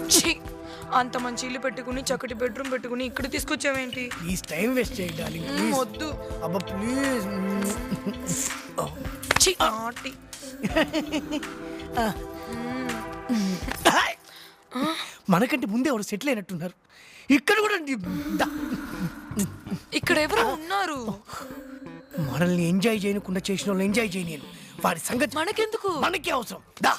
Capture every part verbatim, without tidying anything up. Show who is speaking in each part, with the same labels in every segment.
Speaker 1: అంత మంచి ఇల్లు పెట్టుకుని చక్కటి బెడ్రూమ్ పెట్టుకుని ఇక్కడ తీసుకొచ్చావేంటి?
Speaker 2: ప్లీజ్ టైం వేస్ట్ చేయాలి.
Speaker 1: వద్దు.
Speaker 2: అబ్బా ప్లీజ్. మనకంటే ముందే ఎవరు సెటిల్ అయినట్టున్నారు. ఇక్కడ కూడా
Speaker 1: ఇక్కడ ఎవరు ఉన్నారు?
Speaker 2: మనల్ని ఎంజాయ్ చేయకుండా చేసిన వాళ్ళు ఎంజాయ్ చేయలేను. వారి సంగతి
Speaker 1: మనకెందుకు?
Speaker 2: మనకే అవసరం. దా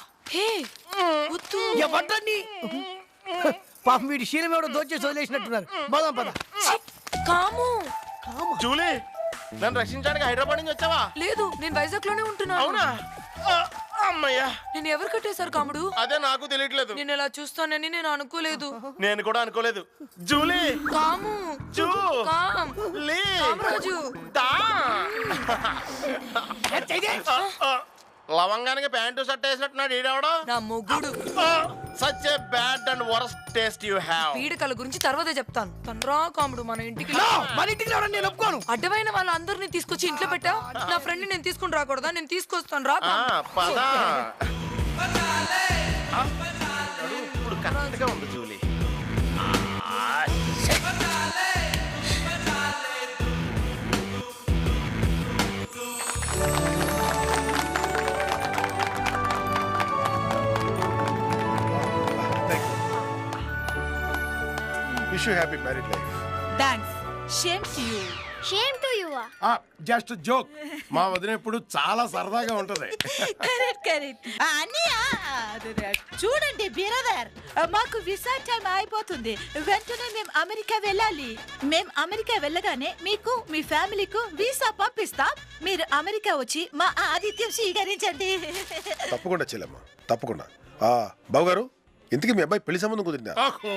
Speaker 2: ఎవరిని పాపం వీడి శీలం ఎవడో దోచేసి వదిలేసినట్టున్నారు. బాదాం పద.
Speaker 1: కాము
Speaker 3: జూలీ, నన్ను రక్షించడానికి హైదరాబాద్ నుంచి వచ్చావా?
Speaker 1: లేదు, నేను వైజాగ్ లోనే ఉంటున్నాను.
Speaker 3: అవునా? అమ్మయ్యా,
Speaker 1: నేను ఎవరు కట్టేశారు కాముడు?
Speaker 3: అదే నాకు తెలియట్లేదు.
Speaker 1: నేను ఇలా చూస్తానని నేను అనుకోలేదు.
Speaker 3: నేను కూడా అనుకోలేదు. జూలీ,
Speaker 1: కాము,
Speaker 3: జూ,
Speaker 1: కామ్,
Speaker 3: లీ,
Speaker 1: కామరాజు,
Speaker 3: దా. లవంగానికి ప్యాంటు షర్ట్ వేసినట్టున్నాడు ఈడెవడో.
Speaker 1: నా మొగుడు.
Speaker 3: Such a bad and worst taste you have.
Speaker 1: పీడకల గురించి తర్వాతే చెప్తాను. తనరా కాముడు మన ఇంటికి.
Speaker 2: మన ఇంటికి రావడం నేను ఒప్పుకోను.
Speaker 1: అడ్డమైన వాళ్ళందరినీ తీసుకొచ్చి ఇంట్లో పెట్టా. నా ఫ్రెండ్ నేను తీసుకుని రాకూడదా? నేను తీసుకొస్తాను రా.
Speaker 3: పదా ఇప్పుడు కరెక్ట్ గా ఉంది Julie.
Speaker 4: Wish you happy married life.
Speaker 5: Thanks. Shame to you.
Speaker 6: Shame to you.
Speaker 4: Ah, just a joke. మా వదిన ఇప్పుడు చాలా సరదాగా ఉంటది.
Speaker 5: Correct correct. అన్నయ్య చూడండి బ్రదర్, మాకు వీసా టైం అయిపోతుంది. వెంటనే మేము అమెరికా వెళ్ళాలి. మేము అమెరికా వెళ్ళగానే మీకు మీ ఫ్యామిలీకు వీసా పంపిస్తాం. మీరు అమెరికా వచ్చి మా ఆతిథ్యం స్వీకరించండి.
Speaker 4: తప్పకుండా చెల్లెమ్మ, తప్పకుండా. ఆ బాబు గారు, ఇంతకీ మీ అబ్బాయి పెళ్లి సంబంధం కుదిరిందా?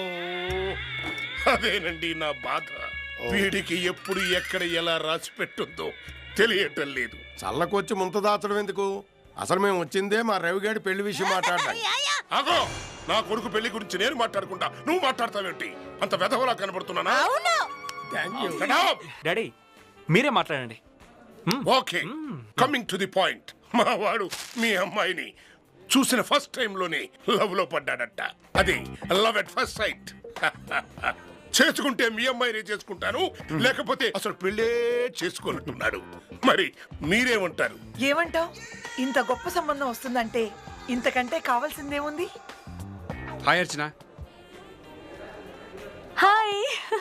Speaker 7: అదేనండి నా బాధ. వీడికి ఎప్పుడు ఎక్కడ ఎలా రాసి పెట్టుందో తెలియటం లేదు.
Speaker 4: చల్లకొచ్చి ముంత దాచడం ఎందుకు? అసలు మేము వచ్చిందే మా రవిగాడి పెళ్లి విషయం మాట్లాడడానికి.
Speaker 7: అగో, నా కొడుకు పెళ్లి గురించి నేను మాట్లాడుకుంటా, నువ్వు మాట్లాడతావేంటి? అంత వెధవలా కనబడుతున్నానా?
Speaker 8: డాడీ మీరే మాట్లాడండి.
Speaker 7: Okay, coming to the point. మా వాడు మీ అమ్మాయిని చూసిన ఫస్ట్ టైం లోనే లవ్ లో పడ్డాడట. అది లవ్ ఎట్ ఫస్ట్ సైట్. చేసుకుంటే మీ అమ్మాయినే చేసుకుంటాను, లేకపోతే అసలు పెళ్ళే చేసుకోనట్టున్నాడు. మరి మీరేమంటారు?
Speaker 5: ఏమంటావు? ఇంత గొప్ప సంబంధం వస్తుందంటే ఇంతకంటే కావాల్సిందేముంది?
Speaker 8: Hi Archana.
Speaker 6: Hi.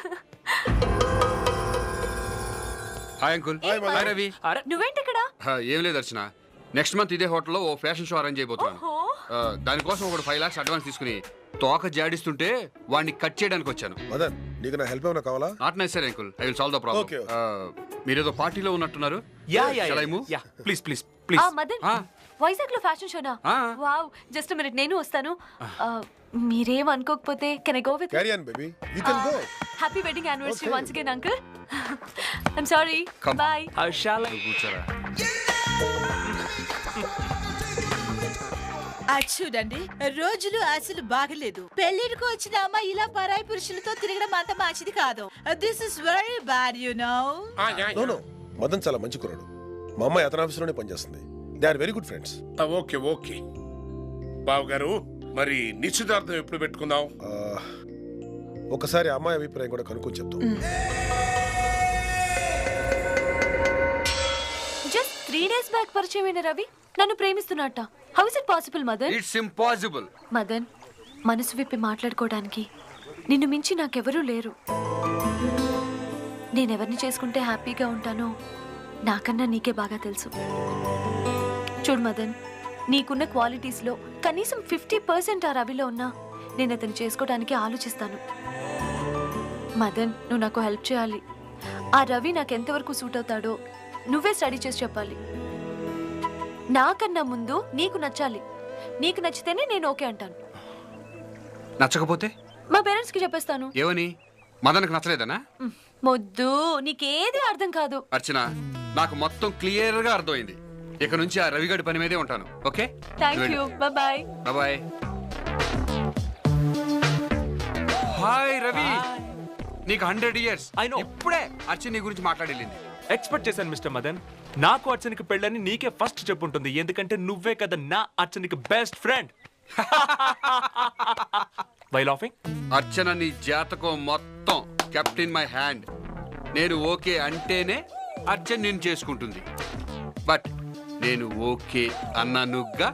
Speaker 8: Hi uncle. Hi Ravi.
Speaker 6: నువ్వేంటి ఇక్కడ?
Speaker 8: ఏం లేదు అర్చన, నెక్స్ట్ మంత్ ఇదే హోటల్లో ఓ ఫ్యాషన్ షో అరేంజ్ అయిపోతున్నాను. దానికోసం ఒక ఫైవ్ లాక్స్ అడ్వాన్స్ తీసుకుని తోక జాడిస్తుంటే వాడిని కట్ చేయడానికి వచ్చాను.
Speaker 4: మదన్, నీకు నా హెల్ప్ ఏమైనా కావాలా?
Speaker 8: Not necessary uncle, I will solve the problem. మీరేదో పార్టీలో ఉన్నట్టున్నారు.
Speaker 9: Ya ya ya please please please.
Speaker 6: ఆ మదన్, వైజాగ్ లో ఫ్యాషన్ షోనా? వావ్, జస్ట్ ఎ మినిట్, నేను వస్తాను. మీరేం అనుకోకపోతే can I go with?
Speaker 4: Carry on baby, you can go.
Speaker 6: Happy wedding anniversary once again uncle. I am sorry. Bye.
Speaker 8: హర్షాల కూర్చోరా.
Speaker 5: చూడండి, రోజులు అసలు బాగలేదు. పెళ్లికి వచ్చిన అమ్మాయి ఇలా పరాయి పురుషులతో తిరగడం అంత మంచిది కాదు. This is very bad you know.
Speaker 4: No no, Madan చాలా మంచి కుర్రాడు. మా అమ్మాయి అతని ఆఫీసులోనే పనిచేస్తుంది. They are very good friends.
Speaker 7: Okay okay బావు గారు, మరి నిశ్చితార్థం ఎప్పుడు పెట్టుకుందాం?
Speaker 4: ఒకసారి అమ్మాయి అభిప్రాయం కూడా కనుక్కొని చెప్తాం.
Speaker 6: జస్ట్ త్రీ డేస్ బ్యాక్ పరిచయమైన రవి నన్ను ప్రేమిస్తున్నట్ట. How is it possible Madan?
Speaker 8: It's impossible.
Speaker 6: Madan, మనసు విప్పి మాట్లాడుకోవడానికి నిన్ను మించి నాకెవరూ లేరు. నేనెవరిని చేసుకుంటే హ్యాపీగా ఉంటానో నాకన్నా నీకే బాగా తెలుసు. చూడు మదన్, నీకున్న క్వాలిటీస్లో కనీసం ఫిఫ్టీ పర్సెంట్ ఆ రవిలో ఉన్నా నేను అతను చేసుకోవడానికి ఆలోచిస్తాను. మదన్, నువ్వు నాకు హెల్ప్ చేయాలి. ఆ రవి నాకు ఎంతవరకు సూట్ అవుతాడో నువ్వే స్టడీ చేసి చెప్పాలి. నాకన్నా ముందు నీకు నచ్చాలి. నీకు నచ్చితేనే నేను ఓకే అంటాను.
Speaker 8: నచ్చకపోతే
Speaker 6: మా పేరెంట్స్ కి చెప్పేస్తాను.
Speaker 8: ఏమని? మదన్కి నచ్చలేదనా?
Speaker 6: మొద్దు, నీకేది అర్థం కాదు.
Speaker 8: అర్చన, నాకు మొత్తం క్లియర్ గా అర్థమైంది. ఇక నుంచి ఆ రవిగడి పని మీదే ఉంటాను. Okay,
Speaker 6: thank you. Bye
Speaker 8: bye. Hi Ravi, నీకు హండ్రెడ్ ఇయర్స్. ఇప్పుడే అర్చన నీ గురించి మాట్లాడేళ్ళింది.
Speaker 9: ఎక్స్పెక్ట్ చేశాను మిస్టర్ మదన్. నాకు అర్చనకి పెళ్ళని నీకే ఫస్ట్ చెప్పుంటుంది, ఎందుకంటే నువ్వే కదా నా అర్చనకి best friend. Why laughing?
Speaker 8: Archana నీ జాతకం మొత్తం కెప్ట్ ఇన్ మై హ్యాండ్. నేను ఓకే అంటేనే అర్చన నేను చేసుకుంటుంది. బట్ నేను ఓకే అన్నానుగా.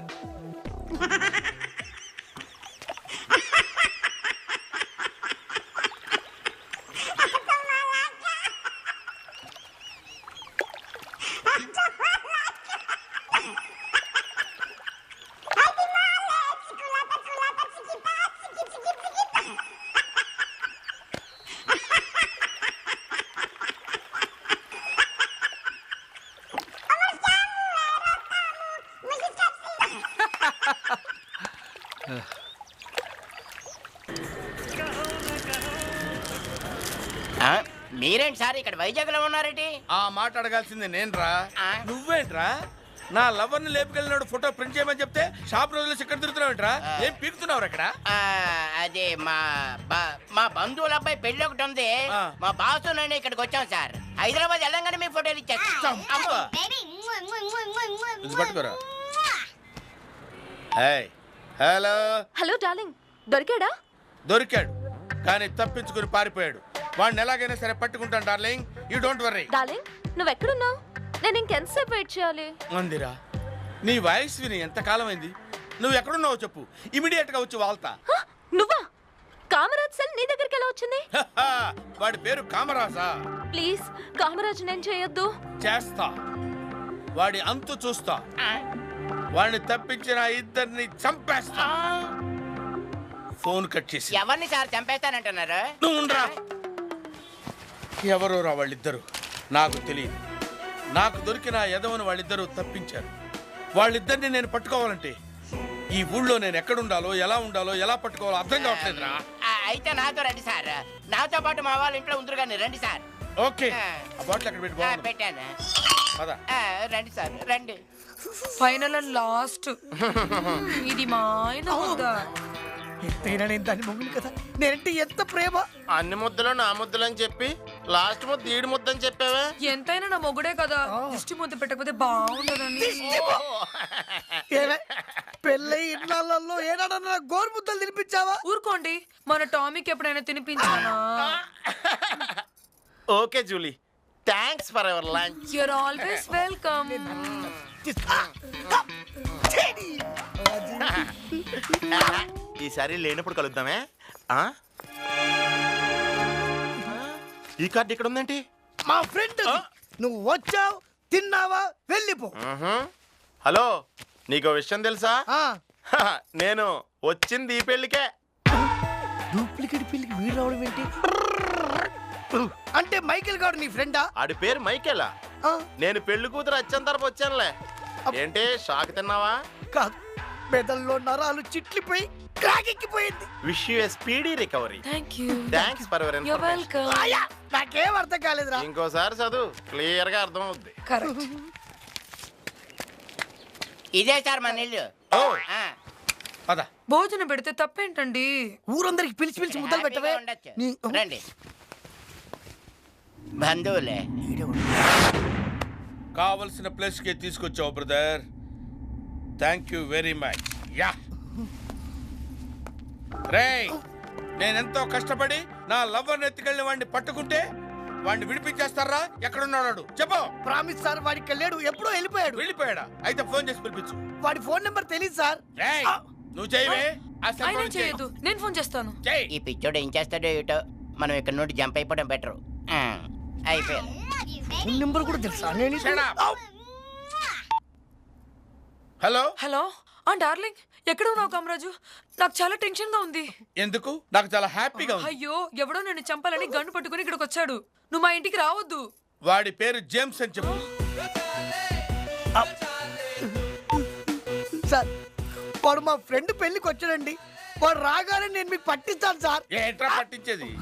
Speaker 10: మీరేంటి సార్ ఇక్కడ వైజాగ్ లో ఉన్నారేంటి?
Speaker 3: ఆ మాట అడగాల్సింది నేను రా. నువ్వేంట్రా నా లవర్ ని లేపుకెళ్ళినాడు ఫోటో ప్రింట్ చేయమని చెప్తే షాప్ రోజులు ఇక్కడ తిరుగుతున్నావుంట్రా? ఏం పీకుతున్నావు అక్కడ?
Speaker 10: అదే మా మా బంధువుల అబ్బాయి పెళ్లి ఒకటి ఉంది. మా బాసు నేను ఇక్కడికి వచ్చాం సార్. హైదరాబాద్ వెళ్ళంగానే మీ ఫోటోలు ఇచ్చేస్తాం.
Speaker 3: పట్టుకోరా. హలో
Speaker 6: హలో డార్లింగ్, దొరికాడా?
Speaker 3: దొరికాడు కానీ తప్పించుకుని పారిపోయాడు. వాడిని ఎలాగైనా సరే పట్టుకుంటాను darling. You don't worry.
Speaker 6: Darling, నువ్వు ఎక్కడున్నావు? నేను ఇంకెంతసేపు వెయిట్ చేయాలి?
Speaker 3: మందిరా, నీ వాయిస్ విని ఎంత కాలం అయింది. నువ్వు ఎక్కడున్నావో చెప్పు, ఇమిడియట్ గా వచ్చి వాళ్తా.
Speaker 6: నువ్వా? కామరాజ్ సెల్ నీ దగ్గరికి ఎలా వచ్చింది?
Speaker 3: వాడి పేరు కామరాజా?
Speaker 6: ప్లీజ్ కామరాజ్ నేను చేయొద్దు.
Speaker 3: చేస్తా, వాడి అంతు చూస్తా. వాడిని తప్పించిన ఇద్దరిని చంపేస్తా. ఫోన్ కట్ చేసి.
Speaker 10: ఎవరిని సార్ చంపేస్తానంటున్నారు?
Speaker 3: నువ్వు ఉండరా. ఎవరో రా వాళ్ళిద్దరు, నాకు తెలియదు. నాకు దొరికిన ఎదవని వాళ్ళిద్దరూ తప్పించారు. వాళ్ళిద్దరిని నేను పట్టుకోవాలంటే ఈ ఊళ్ళో నేను ఎక్కడుండాలో, ఎలా ఉండాలో, ఎలా పట్టుకోవాలో అర్థం కావట్లేదురా.
Speaker 10: అయితే నాతో రండి సార్. నాతో పాటు మా వాళ్ళ ఇంట్లో ఉందరు కానీ రండి సార్.
Speaker 3: ఓకే, ఆ బాటిల్ అక్కడ పెట్టి బాగుంది.
Speaker 10: పెట్టాను.
Speaker 3: పద.
Speaker 10: రండి సార్ రండి.
Speaker 1: ఫైనల్ అండ్ లాస్ట్ ఇది మా ఆయన ముద్ద.
Speaker 2: ఎంతైనా నేను దాన్ని మొగుడు కదా, నేనంటే ఎంత ప్రేమ.
Speaker 3: అన్ని ముద్దలు నా ముద్దలు అని చెప్పి లాస్ట్ ముద్ద ఈడు ముద్ద అని చెప్పావా?
Speaker 1: ఎంతైనా నా మొగుడే కదా, దిష్టి ముద్ద పెట్టకపోతే బాగుండదని.
Speaker 2: పెళ్ళై ఇన్నాళ్ళల్లో ఏనాడన్నా గోరు ముద్దలు తినిపించావా?
Speaker 1: ఊరుకోండి, మన టామీకి ఎప్పుడైనా తినిపించానా?
Speaker 3: Okay Julie, thanks for our lunch.
Speaker 1: You're always welcome.
Speaker 3: ఈసారి లేనప్పుడు కలుద్దామే. ఈ కార్డు ఇక్కడ ఉందేంటి?
Speaker 2: మా ఫ్రెండ్. నువ్వు వచ్చావు, తిన్నావా, వెళ్ళిపో.
Speaker 3: హలో, నీకు విషయం తెలుసా? నేను వచ్చింది ఈ పెళ్లికే.
Speaker 2: డూప్లికేట్ పెళ్లికి వీడు రావడం ఏంటి? అంటే మైకేల్ గారు నీ ఫ్రెండా?
Speaker 3: ఆడి పేరు మైకేలా. నేను పెళ్లి కూతురు వచ్చేంత తరపు వచ్చానులే. ఏంటి షాక్ తిన్నావా?
Speaker 2: కాదు, మెదల్లో నరాలు చిట్లిపోయి క్రాకెక్కిపోయింది.
Speaker 3: Wish you a speedy recovery.
Speaker 1: Thank you.
Speaker 3: Thanks for your
Speaker 1: you're welcome.
Speaker 2: నాకేం అర్థం కాలేదురా.
Speaker 3: ఇంకోసారి చదువు, క్లియర్ గా అర్థం అవుద్ది.
Speaker 1: కరెక్ట్.
Speaker 10: ఇదే సార్ మన ఇల్లు.
Speaker 3: పద.
Speaker 1: భోజనం పెడితే తప్పేంటండి?
Speaker 2: ఊరందరికి పిలిచి పిలిచి ముద్దలు పెట్టవే.
Speaker 10: రండి బంధువులే.
Speaker 3: కావలసిన ప్లేస్ కి తీసుకొచ్చావు brother. Thank you very much. యా రేయ్, నేనెంతో కష్టపడి నా లవ్వర్ని ఎత్తుకెళ్ళిన వాడిని పట్టుకుంటే వాడిని విడిపించేస్తారా? ఎక్కడున్నాడు చెప్పు.
Speaker 2: ప్రామిస్ సార్, వాడికి వెళ్ళాడు, ఎప్పుడో వెళ్ళిపోయాడు.
Speaker 3: వెళ్ళిపోయాడా? అయితే ఫోన్ చేసి పిలిపించు.
Speaker 2: వాడి ఫోన్ నెంబర్ తెలియదు సార్.
Speaker 3: రేయ్, నువ్వు చేయవే.
Speaker 1: ఆయన చేయదు, నేను ఫోన్ చేస్తాను.
Speaker 10: ఈ పిచ్చోడు ఏం చేస్తాడో ఏటో. మనం ఇక్కడ నుండి జంప్ అయిపోవడం బెటర్. అయిపోయారు.
Speaker 2: ఫోన్ నెంబర్ కూడా తెలుసా?
Speaker 3: Hello
Speaker 1: hello. ఆ డార్లింగ్, ఎక్కడ ఉన్నావు కామరాజు? నాకు చాలా టెన్షన్ గా ఉంది.
Speaker 3: ఎందుకు? నాకు చాలా హ్యాపీగా ఉంది.
Speaker 1: అయ్యో, ఎవడో నిన్ను చంపాలని గన్ను పట్టుకుని ఇక్కడికి వచ్చాడు. నువ్వు మా ఇంటికి రావద్దు.
Speaker 3: వాడి పేరు జేమ్స్ అని చెప్పు.
Speaker 2: సార్, వాడు మా ఫ్రెండ్ పెళ్లికి వచ్చాడండి. వాడు రాగానే నేను మీకు పట్టిస్తాను సార్.
Speaker 3: ఏంట్రా పట్టించేది?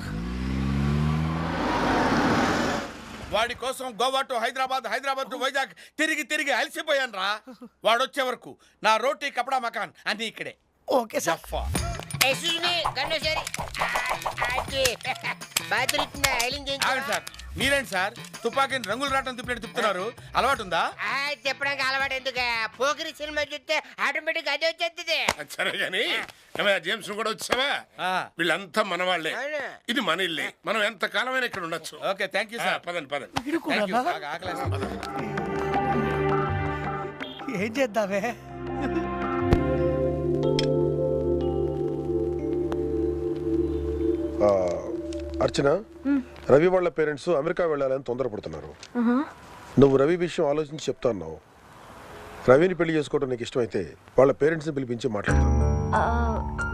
Speaker 3: వాడి కోసం గోవా టు హైదరాబాద్, హైదరాబాద్ టు వైజాగ్ తిరిగి తిరిగి అలసిపోయాను రా. వాడు వచ్చే వరకు నా రోటీ కపడా మకాన్ అన్ని ఇక్కడే.
Speaker 2: Okay sir.
Speaker 3: సార్, మీరేంటి సార్ తుపాకీని రంగులు రావటం తిప్పినట్టు తిప్పుతున్నారు? అలవాటు ఉందా?
Speaker 10: చెప్పడానికి అలవాటు ఎందుకు? పోకిరి సినిమా చూస్తే ఆటోమేటిక్ అదే వచ్చేస్తుంది.
Speaker 7: సరే గాని జేమ్స్ కూడా వచ్చావా? వీళ్ళంతా మన వాళ్ళే, ఇది మన ఇల్లే, మనం ఎంత కాలమైనా ఇక్కడ ఉండొచ్చు.
Speaker 3: Okay thank you sir.
Speaker 7: పదండి పదండి.
Speaker 3: Thank you. బాగా ఆకలేస్తుంది.
Speaker 2: ఏం చేద్దామే?
Speaker 4: ఆ, అర్చన, రవి వాళ్ళ పేరెంట్స్ అమెరికా వెళ్ళాలని తొందరపడుతున్నారు. నువ్వు రవి విషయం ఆలోచించి చెప్తా అన్నావు. రవిని పెళ్లి చేసుకోవడం నీకు ఇష్టమైతే వాళ్ళ పేరెంట్స్ని పిలిపించి మాట్లాడతాను.